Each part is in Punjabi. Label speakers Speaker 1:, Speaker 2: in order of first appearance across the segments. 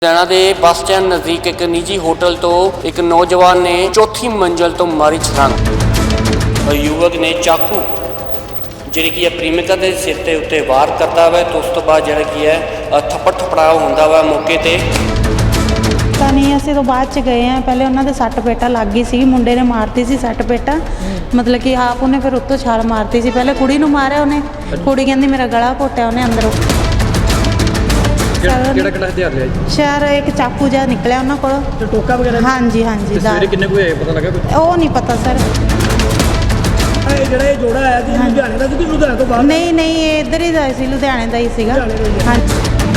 Speaker 1: ਲੁਧਿਆਣਾ ਦੇ ਬੱਸ ਸਟੈਂਡ ਨਜ਼ਦੀਕ ਇੱਕ ਨਿੱਜੀ ਹੋਟਲ ਤੋਂ ਇੱਕ ਨੌਜਵਾਨ ਨੇ ਚੌਥੀ ਮੰਜ਼ਲ ਤੋਂ ਮਾਰੀ ਛਲਾਂਗ। ਯੁਵਕ ਨੇ ਚਾਕੂ ਜਿਹੜੀ ਕਿ ਪ੍ਰੇਮਿਕਾ ਦੇ ਸਿਰ ਤੇ ਉੱਤੇ ਵਾਰ ਕਰਦਾ ਵਾ ਤੇ ਉਸ ਤੋਂ ਬਾਅਦ ਜਿਹੜਾ ਕੀ ਹੈ ਥੱਪੜ ਥਪੜਾਅ ਹੁੰਦਾ ਵਾ ਮੌਕੇ ਤੇ।
Speaker 2: ਤਾਂ ਨਹੀਂ ਅਸੀਂ ਤਾਂ ਬਾਅਦ ਚ ਗਏ ਆ। ਪਹਿਲੇ ਉਹਨਾਂ ਦੇ ਸੱਟ ਪੇਟਾ ਲੱਗ ਗਈ ਸੀ, ਮੁੰਡੇ ਨੇ ਮਾਰਤੀ ਸੀ ਸੱਟ ਪੇਟਾ, ਮਤਲਬ ਕਿ ਆਪ ਉਹਨੇ ਫਿਰ ਉੱਤੋਂ ਛਾਲ ਮਾਰਤੀ ਸੀ। ਪਹਿਲੇ ਕੁੜੀ ਨੂੰ ਮਾਰਿਆ ਉਹਨੇ, ਕੁੜੀ ਕਹਿੰਦੀ ਮੇਰਾ ਗਲਾ ਘੋਟਿਆ ਉਹਨੇ ਅੰਦਰੋਂ।
Speaker 3: ਕਿਹੜਾ ਹਥਿਆਰ ਲਿਆ ਜੀ?
Speaker 2: ਸ਼ਹਿਰ ਇੱਕ ਚਾਕੂ ਜਿਹਾ ਨਿਕਲਿਆ ਉਹਨਾਂ ਕੋਲ
Speaker 3: ਤੇ ਟੋਕਾ ਵਗੈਰਾ?
Speaker 2: ਹਾਂਜੀ ਹਾਂਜੀ।
Speaker 3: ਸਵੇਰੇ ਕਿੰਨੇ ਕੋਈ ਆਏ ਪਤਾ ਲੱਗਾ ਕੁਝ?
Speaker 2: ਉਹ ਨਹੀਂ ਪਤਾ ਸਰ।
Speaker 3: ਇਹ ਜਿਹੜਾ ਇਹ ਜੋੜਾ ਆਇਆ ਸੀ ਲੁਧਿਆਣੇ ਦਾ ਸੀ ਕਿ ਲੁਧਿਆਣੇ ਤੋਂ ਬਾਹਰ?
Speaker 2: ਨਹੀਂ ਨਹੀਂ, ਇਹ ਇੱਧਰ ਹੀ ਦਾ ਸੀ, ਲੁਧਿਆਣੇ ਦਾ ਹੀ ਸੀਗਾ। ਹਾਂਜੀ।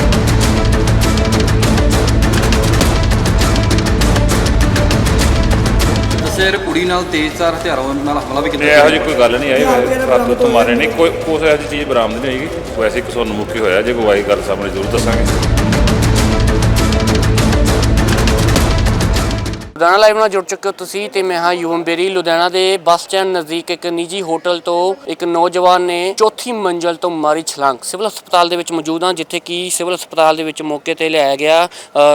Speaker 3: ਸਿਰ ਕੁੜੀ ਨਾਲ ਤੇਜ਼ਧਾਰ ਹਥਿਆਰਾਂ ਨਾਲ ਹਮਲਾ ਵੀ ਕੀਤਾ।
Speaker 4: ਇਹੋ ਜਿਹੀ ਕੋਈ ਗੱਲ ਨਹੀਂ ਆਈ, ਰਾਤ ਤੋਂ ਮਾਰੇ ਨਹੀਂ, ਕੋਈ ਇਹੋ ਜਿਹੀ ਚੀਜ਼ ਬਰਾਮਦ ਨਹੀਂ ਹੋਏਗੀ। ਵੈਸੇ ਇੱਕ ਸਾਨੂੰ ਮੁੱਖੀ ਹੋਇਆ, ਜੇ ਕੋਈ ਆਈ ਗੱਲ ਸਾਹਮਣੇ ਜ਼ਰੂਰ ਦੱਸਾਂਗੇ।
Speaker 1: ਲੁਧਿਆਣਾ ਲਾਈਵ ਨਾਲ ਜੁੜ ਚੁੱਕੇ ਹੋ ਤੁਸੀਂ ਤੇ ਮੈਂ ਹਾਂ ਯੂਵਮ ਬੇਰੀ। ਲੁਧਿਆਣਾ ਦੇ ਬੱਸ ਸਟੈਂਡ ਨਜ਼ਦੀਕ ਇੱਕ ਨਿੱਜੀ ਹੋਟਲ ਤੋਂ ਇੱਕ ਨੌਜਵਾਨ ਨੇ ਚੌਥੀ ਮੰਜ਼ਲ ਤੋਂ ਮਾਰੀ ਛਲਾਂਗ। ਸਿਵਲ ਹਸਪਤਾਲ ਦੇ ਵਿੱਚ ਮੌਜੂਦ ਹਾਂ, ਜਿੱਥੇ ਕਿ ਸਿਵਲ ਹਸਪਤਾਲ ਦੇ ਵਿੱਚ ਮੌਕੇ ਤੇ ਲਿਆਇਆ ਗਿਆ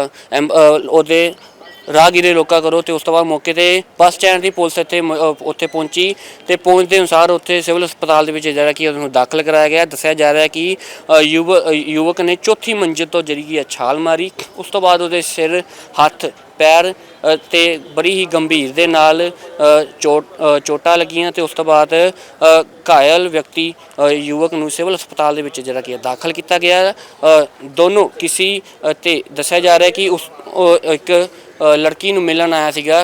Speaker 1: ਉਹਦੇ ਰਾਹਗੀਰੇ ਰੋਕਾ ਕਰੋ ਤੇ ਉਸ ਤੋਂ ਬਾਅਦ ਮੌਕੇ ਤੇ ਬੱਸ ਸਟੈਂਡ ਦੀ ਪੁਲਿਸ ਉੱਥੇ ਪਹੁੰਚੀ ਤੇ ਪਹੁੰਚਦੇ ਅਨੁਸਾਰ ਉੱਥੇ ਸਿਵਲ ਹਸਪਤਾਲ ਦੇ ਵਿੱਚ ਜਿਹੜਾ ਕਿ ਉਹਨੂੰ ਦਾਖਲ ਕਰਾਇਆ ਗਿਆ। ਦੱਸਿਆ ਜਾ ਰਿਹਾ ਕਿ ਯੁਵਕ ਨੇ ਚੌਥੀ ਮੰਜ਼ਿਲ ਤੋਂ ਜਿਹੜੀ ਕਿ ਛਾਲ ਮਾਰੀ। ਉਸ ਤੋਂ ਬਾਅਦ ਉਹਦੇ ਸਿਰ, ਹੱਥ, ਪੈਰ ਤੇ ਬੜੀ ਹੀ ਗੰਭੀਰ ਦੇ ਨਾਲ ਚੋਟਾਂ ਲੱਗੀਆਂ ਤੇ ਉਸ ਤੋਂ ਬਾਅਦ ਘਾਇਲ ਵਿਅਕਤੀ ਯੁਵਕ ਨੂੰ ਸਿਵਲ ਹਸਪਤਾਲ ਦੇ ਵਿੱਚ ਜਿਹੜਾ ਕਿ ਦਾਖਲ ਕੀਤਾ ਗਿਆ। ਦੋਨੋਂ ਕਿਸੇ ਤੇ ਦੱਸਿਆ ਜਾ ਰਿਹਾ ਕਿ ਉਸ ਇੱਕ ਲੜਕੀ ਨੂੰ ਮਿਲਣ ਆਇਆ ਸੀਗਾ।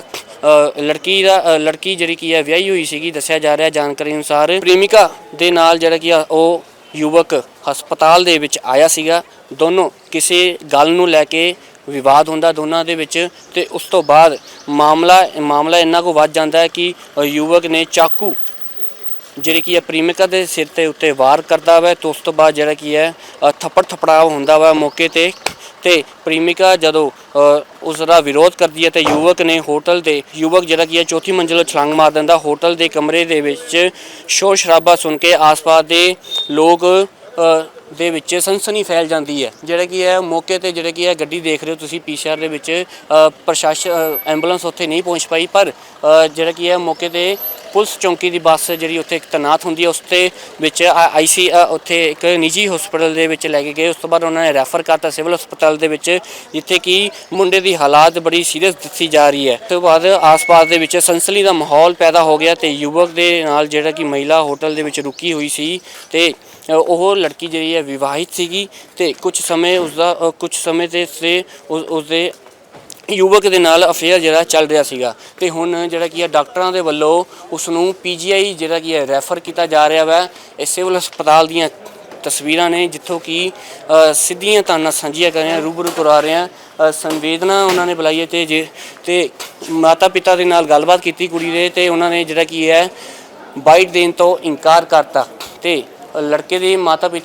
Speaker 1: ਲੜਕੀ ਜਿਹੜੀ ਕੀ ਹੈ ਵਿਆਹੀ ਹੋਈ ਸੀਗੀ। ਦੱਸਿਆ ਜਾ ਰਿਹਾ ਜਾਣਕਾਰੀ ਅਨੁਸਾਰ ਪ੍ਰੇਮਿਕਾ ਦੇ ਨਾਲ ਜਿਹੜਾ ਕਿ ਉਹ ਯੁਵਕ ਹਸਪਤਾਲ ਦੇ ਵਿੱਚ ਆਇਆ ਸੀਗਾ। ਦੋਨੋਂ ਕਿਸੇ ਗੱਲ ਨੂੰ ਲੈ ਕੇ ਵਿਵਾਦ ਹੁੰਦਾ ਦੋਨਾਂ ਦੇ ਵਿੱਚ ਤੇ ਉਸ ਤੋਂ ਬਾਅਦ ਮਾਮਲਾ ਇੰਨਾ ਕੁ ਵੱਧ ਜਾਂਦਾ ਹੈ ਕਿ ਯੁਵਕ ਨੇ ਚਾਕੂ ਜਿਹੜੀ ਕੀ ਹੈ ਪ੍ਰੇਮਿਕਾ ਦੇ ਸਿਰ ਤੇ ਉੱਤੇ ਵਾਰ ਕਰਦਾ ਵਾ ਤੇ ਉਸ ਤੋਂ ਬਾਅਦ ਜਿਹੜਾ ਕੀ ਹੈ ਥੱਪੜ ਥਪੜਾਅ ਹੁੰਦਾ ਵਾ ਮੌਕੇ ਤੇ ਪ੍ਰੇਮਿਕਾ ਜਦੋਂ ਉਸ ਦਾ ਵਿਰੋਧ ਕਰਦੀ ਹੈ ਤੇ ਯੁਵਕ ਜਿਹੜਾ ਕੀ ਹੈ ਚੌਥੀ ਮੰਜ਼ਿਲ ਤੋਂ ਛਲਾਂਗ ਮਾਰ ਦਿੰਦਾ। ਹੋਟਲ ਦੇ ਕਮਰੇ ਦੇ ਵਿੱਚ ਸ਼ੋਰ ਸ਼ਰਾਬਾ ਸੁਣ ਕੇ ਆਸ-ਪਾਸ ਦੇ ਲੋਕ ਦੇ ਵਿੱਚ ਸਨਸਨੀ ਫੈਲ ਜਾਂਦੀ ਹੈ। ਜਿਹੜਾ ਕੀ ਹੈ ਮੌਕੇ ਤੇ ਜਿਹੜਾ ਕੀ ਹੈ ਗੱਡੀ ਦੇਖ ਰਹੇ ਹੋ ਤੁਸੀਂ ਪੀਸੀਆਰ ਦੇ ਵਿੱਚ ਪ੍ਰਸ਼ਾਸਨ ਐਂਬੂਲੈਂਸ ਉੱਥੇ ਨਹੀਂ ਪਹੁੰਚ ਪਾਈ, ਪਰ ਜਿਹੜਾ ਕੀ ਹੈ ਮੌਕੇ ਤੇ ਪੁਲਿਸ ਚੌਂਕੀ ਦੀ ਬੱਸ ਜਿਹੜੀ ਉੱਥੇ ਤੈਨਾਤ ਹੁੰਦੀ ਹੈ ਉਸ ਦੇ ਵਿੱਚ ਉੱਥੇ ਇੱਕ ਨਿੱਜੀ ਹਸਪਤਾਲ ਦੇ ਵਿੱਚ ਲੈ ਕੇ ਗਏ। ਉਸ ਤੋਂ ਬਾਅਦ ਉਹਨਾਂ ਨੇ ਰੈਫਰ ਕਰਤਾ ਸਿਵਲ ਹਸਪਤਾਲ ਦੇ ਵਿੱਚ, ਜਿੱਥੇ ਕਿ ਮੁੰਡੇ ਦੀ ਹਾਲਾਤ ਬੜੀ ਸੀਰੀਅਸ ਦੱਸੀ ਜਾ ਰਹੀ ਹੈ। ਉਸ ਤੋਂ ਬਾਅਦ ਆਸ-ਪਾਸ ਦੇ ਵਿੱਚ ਸਨਸਨੀ ਦਾ ਮਾਹੌਲ ਪੈਦਾ ਹੋ ਗਿਆ ਤੇ ਯੁਵਕ ਦੇ ਨਾਲ ਜਿਹੜਾ ਕਿ ਮਹਿਲਾ ਹੋਟਲ ਦੇ ਵਿੱਚ ਰੁਕੀ ਹੋਈ ਸੀ ਤੇ ਉਹ ਲੜਕੀ ਜਿਹੜੀ ਹੈ ਵਿਵਾਹਿਤ ਸੀਗੀ ਤੇ ਕੁਝ ਸਮੇਂ ਤੇ ਉਸਦੇ ਯੁਵਕ ਦੇ ਨਾਲ ਅਫੇਅਰ ਜਿਹੜਾ ਚੱਲ ਰਿਹਾ ਸੀਗਾ ਤੇ ਹੁਣ ਜਿਹੜਾ ਕੀ ਹੈ ਡਾਕਟਰਾਂ ਦੇ ਵੱਲੋਂ ਉਸ ਨੂੰ ਪੀਜੀਆਈ ਜਿਹੜਾ ਕੀ ਹੈ ਰੈਫਰ ਕੀਤਾ ਜਾ ਰਿਹਾ ਵਾ। ਇਹ ਸਿਵਲ ਹਸਪਤਾਲ ਦੀਆਂ ਤਸਵੀਰਾਂ ਨੇ ਜਿੱਥੋਂ ਕਿ ਸਿੱਧੀਆਂ ਤਾਨਾਂ ਸਾਂਝੀਆਂ ਕਰ ਰਹੇ ਹਾਂ, ਰੂਬਰੂ ਕਰਾ ਰਹੇ ਹਾਂ। ਸੰਵੇਦਨਾ ਉਹਨਾਂ ਨੇ ਬੁਲਾਈ ਹੈ ਤੇ ਮਾਤਾ ਪਿਤਾ ਦੇ ਨਾਲ ਗੱਲਬਾਤ ਕੀਤੀ ਕੁੜੀ ਦੇ ਤੇ ਉਹਨਾਂ ਨੇ ਜਿਹੜਾ ਕੀ ਹੈ ਬਾਈਟ ਦੇਣ ਤੋਂ ਇਨਕਾਰ ਕਰਤਾ ਤੇ ਲੜਕੇ ਦੇ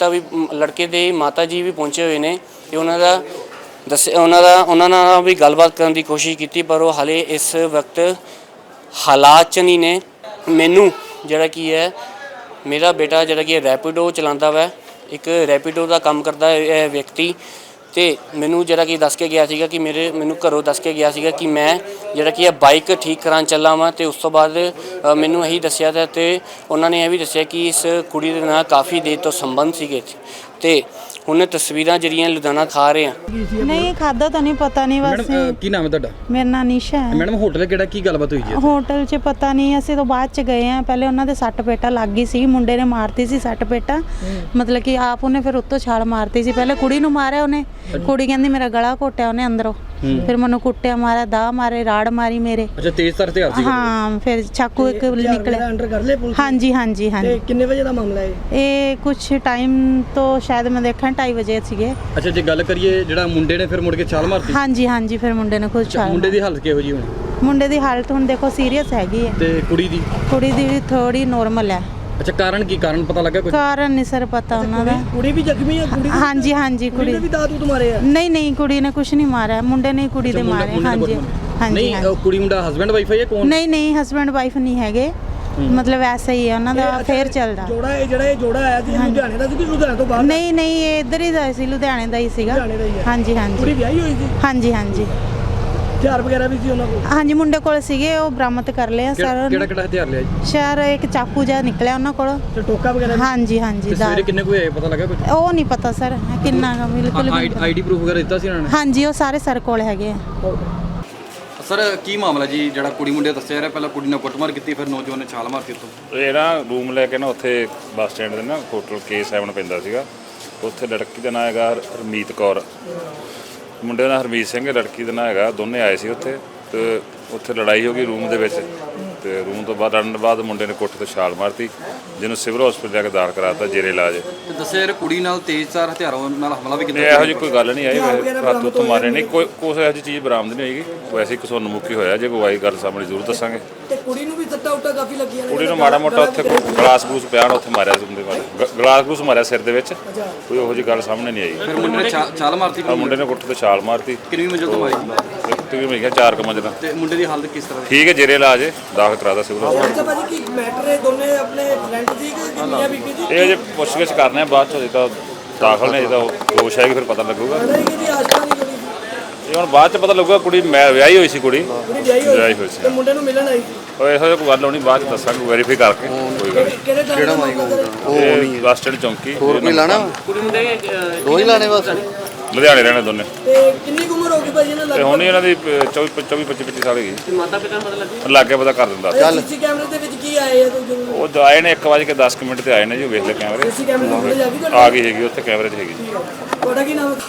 Speaker 1: ਮਾਤਾ ਜੀ ਵੀ ਪਹੁੰਚੇ ਹੋਏ ਨੇ ਤੇ ਉਹਨਾਂ ਨਾਲ ਵੀ ਗੱਲਬਾਤ ਕਰਨ ਦੀ ਕੋਸ਼ਿਸ਼ ਕੀਤੀ, ਪਰ ਉਹ ਹਾਲੇ ਇਸ ਵਕਤ ਹਾਲਾਤ 'ਚ ਨਹੀਂ ਨੇ। ਮੈਨੂੰ ਜਿਹੜਾ ਕੀ ਹੈ ਮੇਰਾ ਬੇਟਾ ਜਿਹੜਾ ਕਿ ਰੈਪੀਡੋ ਚਲਾਉਂਦਾ ਵਾ, ਇੱਕ ਰੈਪੀਡੋ ਦਾ ਕੰਮ ਕਰਦਾ ਇਹ ਵਿਅਕਤੀ ਤੇ ਮੈਨੂੰ ਜਿਹੜਾ ਕਿ ਦੱਸ ਕੇ ਗਿਆ ਸੀਗਾ ਕਿ ਮੈਨੂੰ ਘਰੋਂ ਦੱਸ ਕੇ ਗਿਆ ਸੀਗਾ ਕਿ ਮੈਂ ਜਿਹੜਾ ਕਿ ਬਾਈਕ ਠੀਕ ਕਰਾਉਣ ਚੱਲਾ ਵਾਂ ਤੇ ਉਸ ਤੋਂ ਬਾਅਦ ਮੈਨੂੰ ਇਹੀ ਦੱਸਿਆ ਤੇ ਉਹਨਾਂ ਨੇ ਇਹ ਵੀ ਦੱਸਿਆ ਕਿ ਇਸ ਕੁੜੀ ਦੇ ਨਾਲ ਕਾਫੀ ਦੇਰ ਤੋਂ ਸੰਬੰਧ ਸੀਗੇ ਤੇ ਹੁਣ ਤਸਵੀਰਾਂ ਜਿਹੜੀਆਂ ਲੁਧਿਆਣਾ ਖਾ ਰਹੇ ਆ।
Speaker 2: ਨਹੀਂ ਖਾਦਾ ਤਾਂ ਨਹੀਂ, ਪਤਾ ਨਹੀਂ ਬਸ।
Speaker 3: ਮੈਡਮ ਕੀ ਨਾਮ ਹੈ ਤੁਹਾਡਾ?
Speaker 2: ਮੇਰਾ ਨਾਂ ਨਿਸ਼ਾ ਹੈ।
Speaker 3: ਮੈਡਮ ਹੋਟਲ ਕਿਹੜਾ, ਕੀ ਗੱਲਬਾਤ ਹੋਈ ਜੀ?
Speaker 2: ਹੋਟਲ 'ਚ ਪਤਾ ਨਹੀਂ, ਅਸੀਂ ਤਾਂ ਬਾਅਦ ਚ ਗਏ ਆ। ਪਹਿਲੇ ਉਹਨਾਂ ਦੇ ਸੱਟ ਪੇਟਾ ਲੱਗ ਗਈ ਸੀ, ਮੁੰਡੇ ਨੇ ਮਾਰਤੀ ਸੀ ਸੱਟ ਪੇਟਾ, ਮਤਲਬ ਕਿ ਆਪ ਉਹਨੇ ਫਿਰ ਉੱਤੋਂ ਛਾਲ ਮਾਰਤੀ ਸੀ। ਪਹਿਲੇ ਕੁੜੀ ਨੂੰ ਮਾਰਿਆ ਉਹਨੇ, ਕੁੜੀ ਕਹਿੰਦੀ ਮੇਰਾ ਗਲਾ ਘੋਟਿਆ ਉਹਨੇ ਅੰਦਰੋਂ, ਫਿਰ ਮੈਨੂੰ ਕੁੱਟਿਆ, ਮਾਰਿਆ, ਦਾ ਮਾਰੇ, ਰਾੜ ਮਾਰੀ ਮੇਰੇ।
Speaker 3: ਅੱਛਾ, ਤੇਜ਼ਧਾਰ ਹਥਿਆਰ ਸੀ?
Speaker 2: ਹਾਂ, ਫਿਰ ਚਾਕੂ ਇੱਕ ਨਿਕਲਿਆ।
Speaker 3: ਅੰਡਰ ਕਰ ਲਏ ਪੁਲਿਸ?
Speaker 2: ਹਾਂਜੀ ਹਾਂਜੀ ਹਾਂਜੀ।
Speaker 3: ਕਿੰਨੇ ਵਜੇ ਦਾ ਮਾਮਲਾ ਹੈ
Speaker 2: ਇਹ? ਕੁਛ ਟਾਈਮ ਤੋਂ ਸ਼ਾਇਦ ਮੈਂ ਦੇਖਾਂ 2:30 ਵਜੇ ਸੀਗੇ।
Speaker 3: ਅੱਛਾ, ਜੇ ਗੱਲ ਕਰੀਏ ਜਿਹੜਾ ਮੁੰਡੇ ਨੇ ਫਿਰ ਮੁੜ ਕੇ ਛਾਲ ਮਾਰਤੀ?
Speaker 2: ਹਾਂਜੀ ਹਾਂਜੀ, ਫਿਰ ਮੁੰਡੇ ਨੇ ਖੁਦ ਛਾਲ।
Speaker 3: ਮੁੰਡੇ ਦੀ ਹਾਲਤ ਕਿਹੋ ਜੀ ਹੁਣ?
Speaker 2: ਮੁੰਡੇ ਦੀ ਹਾਲਤ ਹੁਣ ਦੇਖੋ ਸੀਰੀਅਸ ਹੈਗੀ ਹੈ
Speaker 3: ਤੇ ਕੁੜੀ ਦੀ
Speaker 2: ਵੀ ਥੋੜੀ ਨੋਰਮਲ ਹੈ।
Speaker 3: ਅੱਛਾ, ਕਾਰਨ ਪਤਾ ਲੱਗਾ ਕੋਈ?
Speaker 2: ਕਾਰਨ ਨਹੀਂ ਸਰ ਪਤਾ ਉਹਨਾਂ ਦਾ।
Speaker 3: ਕੁੜੀ ਵੀ ਜ਼ਖਮੀ ਹੈ?
Speaker 2: ਹਾਂਜੀ ਹਾਂਜੀ, ਕੁੜੀ
Speaker 3: ਵੀ ਦਾਦੂ ਮਾਰੇ ਆ?
Speaker 2: ਨਹੀਂ, ਕੁੜੀ ਨੇ ਕੁਝ ਨਹੀਂ ਮਾਰਿਆ, ਮੁੰਡੇ ਨੇ ਕੁੜੀ ਦੇ ਮਾਰੇ। ਹਾਂਜੀ ਹਾਂਜੀ।
Speaker 3: ਨਹੀਂ, ਕੁੜੀ ਮੁੰਡਾ ਹਸਬੈਂਡ ਵਾਈਫ ਹੈ ਜਾਂ ਕੌਣ?
Speaker 2: ਨਹੀਂ ਹਸਬੈਂਡ ਵਾਈਫ ਨਹੀਂ ਹੈਗੇ, ਮਤਲਬ ਐਸਾ ਹੀ ਹੈ ਉਹਨਾਂ ਦਾ ਫੇਰ ਚੱਲਦਾ।
Speaker 3: ਜਿਹੜਾ ਇਹ ਜੋੜਾ ਆਇਆ ਸੀ ਲੁਧਿਆਣੇ ਦਾ ਸੀ ਕਿ ਲੁਧਿਆਣੇ ਤੋਂ ਬਾਹਰ?
Speaker 2: ਨਹੀਂ ਨਹੀਂ, ਇਹ ਇੱਧਰ ਹੀ ਦਾ ਸੀ, ਲੁਧਿਆਣੇ ਦਾ ਹੀ ਸੀਗਾ।
Speaker 3: ਲੁਧਿਆਣੇ ਦਾ ਹੀ ਹੈ।
Speaker 2: ਹਾਂਜੀ
Speaker 3: ਕੁੜੀ
Speaker 2: ਹਾਂਜੀ
Speaker 3: ਵਿਆਹੀ ਹੋਈ ਸੀ?
Speaker 2: ਹਾਂਜੀ ਹਾਂਜੀ
Speaker 3: ਹਥਿਆਰ ਵਗੈਰਾ ਵੀ ਸੀ ਉਹਨਾਂ ਕੋਲ?
Speaker 2: ਹਾਂਜੀ ਮੁੰਡੇ ਕੋਲ ਸੀਗੇ, ਉਹ ਬਰਾਮਦ ਕਰ ਲਿਆ ਸਰ।
Speaker 5: ਕਿਹੜਾ ਕਿਹੜਾ ਹਥਿਆਰ ਲਿਆ ਜੀ?
Speaker 2: ਸ਼ਹਿਰ ਇੱਕ ਚਾਕੂ ਜਿਹਾ ਨਿਕਲਿਆ ਉਹਨਾਂ ਕੋਲ।
Speaker 3: ਤੇ ਟੋਕਾ ਵਗੈਰਾ ਵੀ?
Speaker 2: ਹਾਂਜੀ ਹਾਂਜੀ
Speaker 5: ਤੇ ਸਵੇਰੇ ਕਿੰਨੇ ਕੁ ਹੋਏ ਪਤਾ ਲੱਗਾ ਕੁਝ?
Speaker 2: ਉਹ ਨਹੀਂ ਪਤਾ ਸਰ ਕਿੰਨਾ ਗਾ, ਬਿਲਕੁਲ ਵੀ ਨਹੀਂ ਪਤਾ।
Speaker 5: ਆਈਡੀ ਪ੍ਰੂਫ ਵਗੈਰਾ ਦਿੱਤਾ ਸੀ ਉਹਨਾਂ ਨੇ?
Speaker 2: ਹਾਂਜੀ ਉਹ ਸਾਰੇ ਸਰ ਕੋਲ ਹੈਗੇ ਆ।
Speaker 5: ਸਰ ਕੀ ਮਾਮਲਾ ਜੀ ਜਿਹੜਾ ਕੁੜੀ ਮੁੰਡੇ ਦੱਸਿਆ ਜਾ ਰਿਹਾ, ਪਹਿਲਾਂ ਕੁੜੀ ਨਾਲ ਕੁੱਟਮਾਰ ਕੀਤੀ ਫਿਰ ਨੌਜਵਾਨ ਨੇ ਛਾਲ ਮਾਰਤੀ ਉੱਤੋਂ?
Speaker 4: ਇਹ ਨਾ ਰੂਮ ਲੈ ਕੇ ਨਾ ਉੱਥੇ ਬੱਸ ਸਟੈਂਡ ਦੇ ਨਾ ਹੋਟਲ K7 ਪੈਂਦਾ ਸੀਗਾ, ਉੱਥੇ ਲੜਕੀ ਦਾ ਨਾਂ ਹੈਗਾ ਹਰਮੀਤ ਕੌਰ, ਮੁੰਡੇ ਦਾ ਨਾਂ ਹਰਮੀਤ ਸਿੰਘ, ਲੜਕੀ ਦਾ ਨਾਂ ਹੈਗਾ। ਦੋਨੇ ਆਏ ਸੀ ਉੱਥੇ ਤੇ ਉੱਥੇ ਲੜਾਈ ਹੋ ਗਈ ਰੂਮ ਦੇ ਵਿੱਚ, ਤੇ ਰੂਮ ਤੋਂ ਬਾਅਦ ਲੜਨ ਬਾਅਦ ਮੁੰਡੇ ਨੇ ਕੋਠੇ ਤੋਂ ਛਾਲ ਮਾਰਤੀ, ਜਿਹਨੂੰ ਸਿਵਲ ਹਸਪੀਟਲ ਜਾ ਕੇ ਦਾਖਲ ਕਰਾਤਾ ਜੇਰੇ ਇਲਾਜ।
Speaker 5: ਤੇ ਦੱਸਿਆ ਯਾਰ ਕੁੜੀ ਨਾਲ ਤੇਜ਼ਧਾਰ ਹਥਿਆਰਾਂ ਨਾਲ ਹਮਲਾ ਵੀ ਕੀਤਾ?
Speaker 4: ਇਹੋ ਜਿਹੀ ਕੋਈ ਗੱਲ ਨਹੀਂ ਆਈ, ਰਾਤ ਤੋਂ ਮਾਰੇ ਨਹੀਂ, ਕੋਈ ਇਹੋ ਜਿਹੀ ਚੀਜ਼ ਬਰਾਮਦ ਨਹੀਂ ਹੋਏਗੀ। ਵੈਸੇ ਇੱਕ ਸਾਨੂੰ ਮੁੱਕੀ ਹੋਇਆ, ਜੇ ਕੋਈ ਆਈ ਗੱਲ ਸਾਹਮਣੇ ਜ਼ਰੂਰ ਦੱਸਾਂਗੇ।
Speaker 3: ਤੇ ਕੁੜੀ ਨੂੰ ਵੀ ਸੱਟਾਂ ਉੱਟਾਂ ਕਾਫੀ ਲੱਗੀਆਂ ਨੇ?
Speaker 4: ਕੁੜੀ ਨੂੰ ਮਾੜਾ ਮੋਟਾ ਉੱਥੇ ਗਲਾਸ ਗਲੂਸ ਪਿਆ ਨਾ, ਉੱਥੇ ਮਾਰਿਆ ਸੀ ਗਲਾਸ ਗਲੂਸ ਮਾਰਿਆ ਸਿਰ ਦੇ ਵਿੱਚ, ਕੋਈ ਇਹੋ ਜਿਹੀ ਗੱਲ ਸਾਹਮਣੇ ਨਹੀਂ ਆਈ।
Speaker 5: ਫਿਰ ਮੁੰਡੇ ਨੇ ਛਾਲ ਮਾਰਤੀ?
Speaker 4: ਮੁੰਡੇ ਨੇ ਕੋਠੇ ਤੋਂ ਛਾਲ ਮਾਰਤੀ।
Speaker 5: ਕਿੰਨੀ ਮੰਜ਼ਿਲ ਤੋਂ ਮਾਰੀ?
Speaker 4: ਤਕਰੀਬਨ ਮੇਰੇ ਖਿਆਲ 4 ਮੰਜ਼ਿਲਾਂ।
Speaker 5: ਤੇ ਮੁੰਡੇ ਦੀ ਹਾਲਤ ਕਿਸ ਤਰ੍ਹਾਂ?
Speaker 4: ਠੀਕ ਹੈ, ਜੇਰੇ ਇਲਾਜ ਦਾਖਲ ਕਰਾਦਾ ਸਿਵਲ ਹਸਪਤਾਲ।
Speaker 3: ਅੱਛਾ ਭਾਜੀ ਕੀ ਮੈਟਰ ਹੈ? ਦੋਨੇ ਆਪਣੇ ਫਰੈਂਡ ਸੀ ਕਿ ਕਿੰਨੀਆਂ ਬੀਬੀ ਸੀ?
Speaker 4: ਇਹ ਜੇ ਪੁੱਛਗਿੱਛ ਕਰਨੇ ਆ ਬਾਅਦ ਚੋਂ, ਜਿੱਦਾਂ ਦਾਖਲ ਨੇ, ਜਿੱਦਾਂ ਹੋਸ਼ ਆਏਗੀ ਫਿਰ ਪਤਾ ਲੱਗੂਗਾ।
Speaker 3: ਪਤਾ ਨਹੀਂ ਕਿ ਆਸ਼ਕਾ ਨਹੀਂ ਕਰੀ
Speaker 4: ਇਹ ਹੁਣ ਬਾਅਦ ਚ ਪਤਾ ਲੱਗੂਗਾ। ਕੁੜੀ ਮੈਂ ਵਿਆਹੀ ਹੋਈ ਸੀ, ਕੁੜੀ
Speaker 3: ਕੁੜੀ ਵਿਆਹੀ ਹੋਈ
Speaker 4: ਸੀ।
Speaker 3: ਤੇ ਮੁੰਡੇ ਨੂੰ ਮਿਲਣ ਆਈ ਸੀ?
Speaker 4: ਉਹ ਇਹੋ ਜਿਹੀ ਕੋਈ ਗੱਲ ਹੋਣੀ, ਬਾਅਦ ਚ ਦੱਸਾਂਗੇ ਵੈਰੀਫਾਈ ਕਰਕੇ। ਕੋਈ ਗੱਲ
Speaker 3: ਕਿਹੜੇ ਟਾਈਮ ਦਾ ਮਾਮਲਾ ਸਰ?
Speaker 4: ਨਹੀਂ, ਬੱਸ ਸਟੈਂਡ ਚੌਂਕੀ।
Speaker 5: ਹੋਰ ਕੋਈ ਲਾਣਾ?
Speaker 1: ਕੁੜੀ ਮੁੰਡੇ
Speaker 5: ਦੋ ਹੀ ਲਾਣੇ ਬਸ?
Speaker 4: ਲੁਧਿਆਣੇ ਰਹਿਣੇ ਦੋਨੇ।
Speaker 3: ਤੇ ਕਿੰਨੀ ਕੁ ਉਮਰ ਹੋ ਗਈ ਭਾਜੀ ਇਹਨਾਂ
Speaker 4: ਤੇ
Speaker 3: ਲੱਗ?
Speaker 4: ਹੁਣ ਇਹਨਾਂ ਦੀ 24-25 ਸਾਲ ਹੈਗੀ।
Speaker 1: ਤੇ ਮਾਤਾ ਪਿਤਾ ਨੂੰ ਪਤਾ ਲੱਗੀ?
Speaker 4: ਲਾਗੇ ਪਤਾ ਕਰ ਦਿੰਦਾ।
Speaker 3: ਸੀਸੀ ਕੈਮਰੇ ਦੇ ਵਿੱਚ ਕੀ ਆਏ ਆ ਤੁਸੀਂ?
Speaker 4: ਉਹ ਆਏ ਨੇ 1:10 ਤੇ ਆਏ ਨੇ ਜੀ, ਉਹ ਵੇਖ ਲੈ ਕੈਮਰੇ।
Speaker 3: ਸੀਸੀ ਕੈਮਰੇ ਦੀ ਫੁਟੇਜ ਆ ਗਈ ਤੁਹਾਡੇ?
Speaker 4: ਆ ਗਈ ਹੈਗੀ, ਉੱਥੇ ਕੈਮਰੇ 'ਚ ਹੈਗੀ ਜੀ।
Speaker 3: ਤੁਹਾਡਾ ਕੀ ਨਾਮ ਹੈ?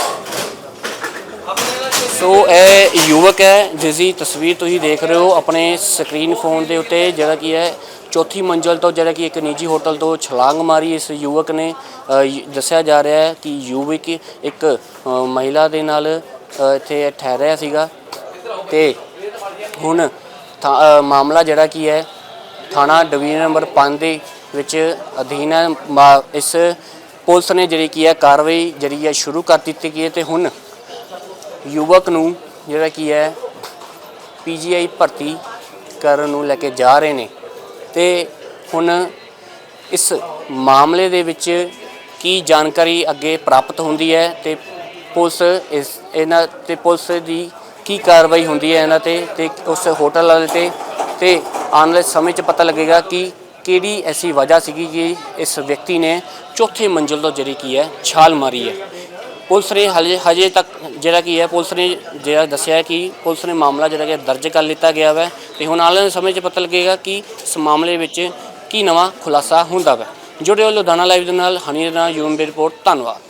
Speaker 1: ਸੋ ਇਹ ਯੁਵਕ ਹੈ ਜਿਸ ਦੀ ਤਸਵੀਰ ਤੁਸੀਂ ਦੇਖ ਰਹੇ ਹੋ ਆਪਣੇ ਸਕਰੀਨ ਫੋਨ ਦੇ ਉੱਤੇ, ਜਿਹੜਾ ਕੀ ਹੈ ਚੌਥੀ ਮੰਜ਼ਲ ਤੋਂ ਜਿਹੜਾ ਕਿ ਇੱਕ ਨਿੱਜੀ ਹੋਟਲ ਤੋਂ ਛਲਾਂਗ ਮਾਰੀ ਇਸ ਯੁਵਕ ਨੇ। ਦੱਸਿਆ ਜਾ ਰਿਹਾ ਹੈ ਕਿ ਯੁਵਕ ਇੱਕ ਮਹਿਲਾ ਦੇ ਨਾਲ ਇੱਥੇ ਠਹਿਰਿਆ ਸੀਗਾ ਤੇ ਹੁਣ ਮਾਮਲਾ ਜਿਹੜਾ ਕੀ ਹੈ ਥਾਣਾ ਡਿਵੀਜ਼ਨ ਨੰਬਰ 5 ਦੇ ਵਿੱਚ ਅਧੀਨ ਹੈ। ਇਸ ਪੁਲਿਸ ਨੇ ਜਿਹੜੀ ਕੀ ਹੈ ਕਾਰਵਾਈ ਜਿਹੜੀ ਹੈ ਸ਼ੁਰੂ ਕਰ ਦਿੱਤੀ ਗਈ ਹੈ ਤੇ ਹੁਣ ਯੁਵਕ ਨੂੰ ਜਿਹੜਾ ਕੀ ਹੈ PGI ਭਰਤੀ ਕਰਨ ਨੂੰ ਲੈ ਕੇ ਜਾ ਰਹੇ ਨੇ ਤੇ ਹੁਣ ਇਸ ਮਾਮਲੇ ਦੇ ਵਿੱਚ ਕੀ ਜਾਣਕਾਰੀ ਅੱਗੇ ਪ੍ਰਾਪਤ ਹੁੰਦੀ ਹੈ ਤੇ ਪੁਲਿਸ ਇਹਨਾਂ ਤੇ ਪੁਲਿਸ ਦੀ ਕੀ ਕਾਰਵਾਈ ਹੁੰਦੀ ਹੈ ਇਹਨਾਂ ਤੇ ਉਸ ਹੋਟਲ ਵਾਲੇ ਤੇ ਆਉਣ ਵਾਲੇ ਸਮੇਂ 'ਚ ਪਤਾ ਲੱਗੇਗਾ ਕਿ ਕਿਹੜੀ ਐਸੀ ਵਜ੍ਹਾ ਸੀਗੀ ਕਿ ਇਸ ਵਿਅਕਤੀ ਨੇ ਚੌਥੇ ਮੰਜ਼ਿਲ ਤੋਂ ਜਿਹੜੀ ਕੀ ਹੈ ਛਾਲ ਮਾਰੀ ਹੈ। ਪੁਲਿਸ ਨੇ ਹਜੇ ਤੱਕ ਜਿਹੜਾ ਕੀ ਹੈ ਪੁਲਿਸ ਨੇ ਜਿਹੜਾ ਦੱਸਿਆ ਕਿ ਪੁਲਿਸ ਨੇ ਮਾਮਲਾ ਜਿਹੜਾ ਕਿ ਦਰਜ ਕਰ ਲਿੱਤਾ ਗਿਆ ਵਾ ਤੇ ਹੁਣ ਆਉਣ ਵਾਲੇ ਸਮੇਂ 'ਚ ਪਤਾ ਲੱਗੇਗਾ ਕਿ ਇਸ ਮਾਮਲੇ ਵਿੱਚ ਕੀ ਨਵਾਂ ਖੁਲਾਸਾ ਹੁੰਦਾ ਵਾ। ਜੁੜੇ ਹੋ ਲੁਧਿਆਣਾ ਲਾਈਵ ਦੇ ਨਾਲ, ਹਨੀ ਦੇ ਨਾਲ, ਯੂਐਮਬੀ ਰਿਪੋਰਟ। ਧੰਨਵਾਦ।